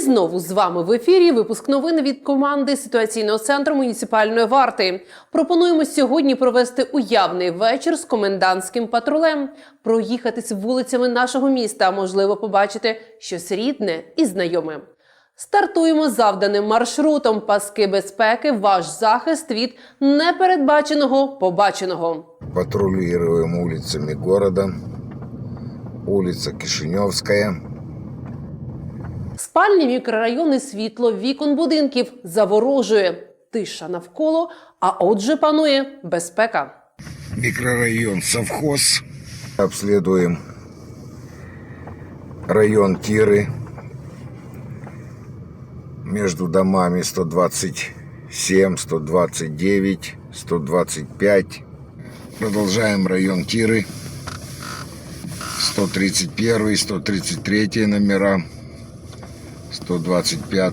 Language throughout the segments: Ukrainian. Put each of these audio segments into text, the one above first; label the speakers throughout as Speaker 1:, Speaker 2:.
Speaker 1: знову з вами в ефірі випуск новин від команди ситуаційного центру муніципальної варти. Пропонуємо сьогодні провести уявний вечір з комендантським патрулем, проїхатись вулицями нашого міста, можливо побачити щось рідне і знайоме. Стартуємо завданим маршрутом. Паски безпеки – ваш захист від непередбаченого побаченого.
Speaker 2: Патрулируем улицами города. Улица Кишиневская.
Speaker 1: Спальні мікрорайони, світло вікон будинків заворожує. Тиша навколо, а отже панує безпека.
Speaker 2: Микрорайон Совхоз. Обследуем район Тиры. Между домами 127, 129, 125. Продолжаем район Тиры. 131, 133 номера. 125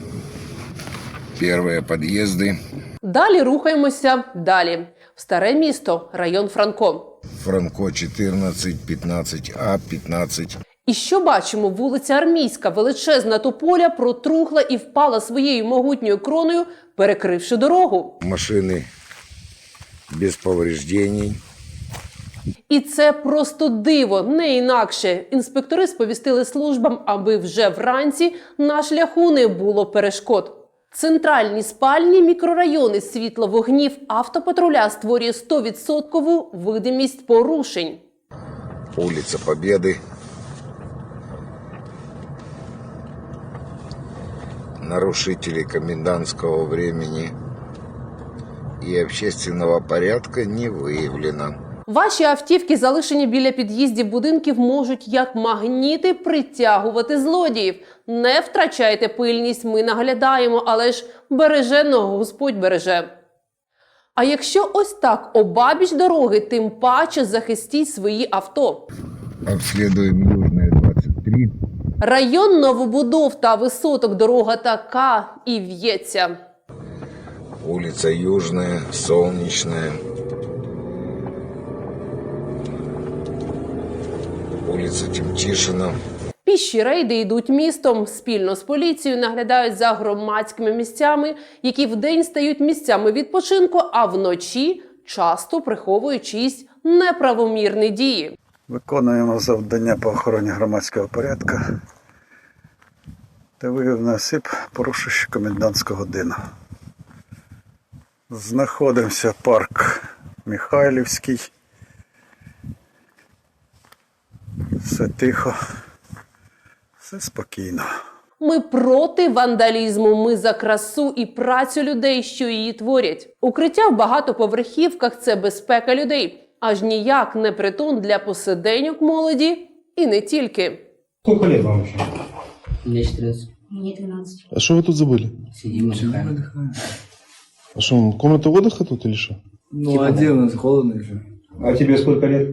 Speaker 2: первые подъезды.
Speaker 1: Далі рухаємося далі. В Старе місто, район Франко.
Speaker 2: Франко 14, 15А, 15.
Speaker 1: І що бачимо? Вулиця Армійська, величезна тополя, протрухла і впала своєю могутньою кроною, перекривши дорогу.
Speaker 2: Машины без повреждений.
Speaker 1: І це просто диво, не інакше. Інспектори сповістили службам, аби вже вранці на шляху не було перешкод. Центральні спальні мікрорайони, світло вогнів автопатруля створює 100% видимість порушень.
Speaker 2: Улица Победы. Нарушители комендантского времени и общественного порядка не выявлено.
Speaker 1: Ваші автівки, залишені біля під'їздів будинків, можуть як магніти притягувати злодіїв. Не втрачайте пильність, ми наглядаємо, але ж береженого Господь береже. А якщо ось так обабіч дороги, тим паче захистіть свої авто.
Speaker 2: Обследуем Южная 23.
Speaker 1: Район новобудов та висоток, дорога така і в'ється.
Speaker 2: Улица Южная, Солнечная. Улица Тимчишина.
Speaker 1: Піші рейди йдуть містом. Спільно з поліцією наглядають за громадськими місцями, які вдень стають місцями відпочинку, а вночі часто приховують чиїсь неправомірні дії.
Speaker 3: Виконуємо завдання по охороні громадського порядку та виявив на осіб, порушуючи комендантську годину. Знаходимося парк Михайлівський. Все тихо, все спокійно.
Speaker 1: Ми проти вандалізму, ми за красу і працю людей, що її творять. Укриття в багатоповерхівках – це безпека людей. Аж ніяк не притон для посиденьок молоді і не тільки.
Speaker 4: Сколько лет вам вообще?
Speaker 5: Мне 14.
Speaker 6: Мне 12.
Speaker 7: А что вы тут забыли?
Speaker 5: Сидим, отдыхаем.
Speaker 7: А что, комната отдыха тут или что?
Speaker 4: Ну, один у нас холодно еще. А тебе сколько лет?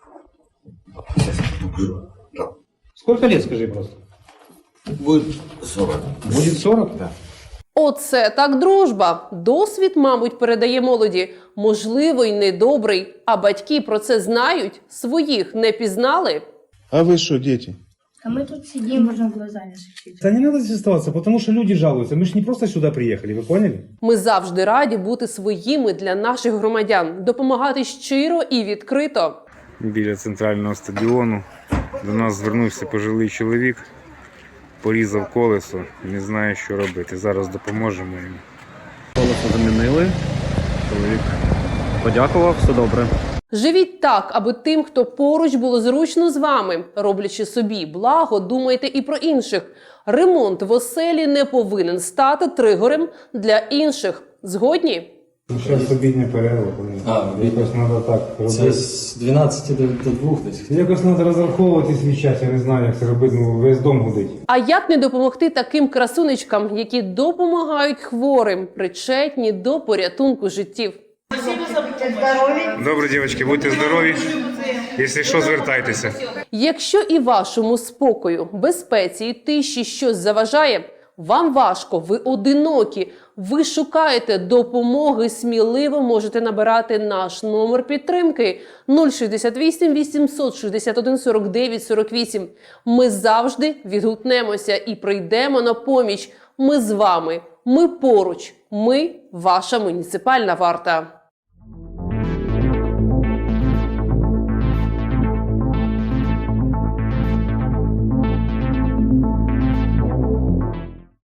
Speaker 4: Сколько лет, скажи просто?
Speaker 2: Будет 40.
Speaker 4: Будет 40? Да.
Speaker 1: Оце так дружба. Досвід, мабуть, передає молоді. Можливо, й недобрий. А батьки про це знають? Своїх не пізнали?
Speaker 7: А вы что, дети?
Speaker 6: А мы тут сидим, можно глазами сочить.
Speaker 4: Да не надо здесь оставаться, потому что люди жалуются. Мы же не просто сюда приехали, вы поняли?
Speaker 1: Ми завжди раді бути своїми для наших громадян, допомагати щиро і відкрито.
Speaker 8: Біля центрального стадіону до нас звернувся пожилий чоловік, порізав колесо, не знає, що робити. Зараз допоможемо йому.
Speaker 9: Колесо замінили, чоловік подякував, все добре.
Speaker 1: Живіть так, аби тим, хто поруч, було зручно з вами. Роблячи собі благо, думайте і про інших. Ремонт в оселі не повинен стати тригером для інших. Згодні?
Speaker 4: Зараз обідня перерва. Якось треба так робити.
Speaker 10: Це з 12 до 2 десь.
Speaker 4: Якось треба розраховувати свій час, я не знаю, як це робити, ну весь дом гудить.
Speaker 1: А як не допомогти таким красунечкам, які допомагають хворим, причетні до порятунку життів?
Speaker 8: Добре, дівчатки, будьте здорові. Якщо що, звертайтеся.
Speaker 1: Якщо і вашому спокою, безпеці і тиші щось заважає, вам важко, ви одинокі, ви шукаєте допомоги, сміливо можете набирати наш номер підтримки 068 861 49 48. Ми завжди відгукнемося і прийдемо на поміч. Ми з вами, ми поруч, ми ваша муніципальна варта.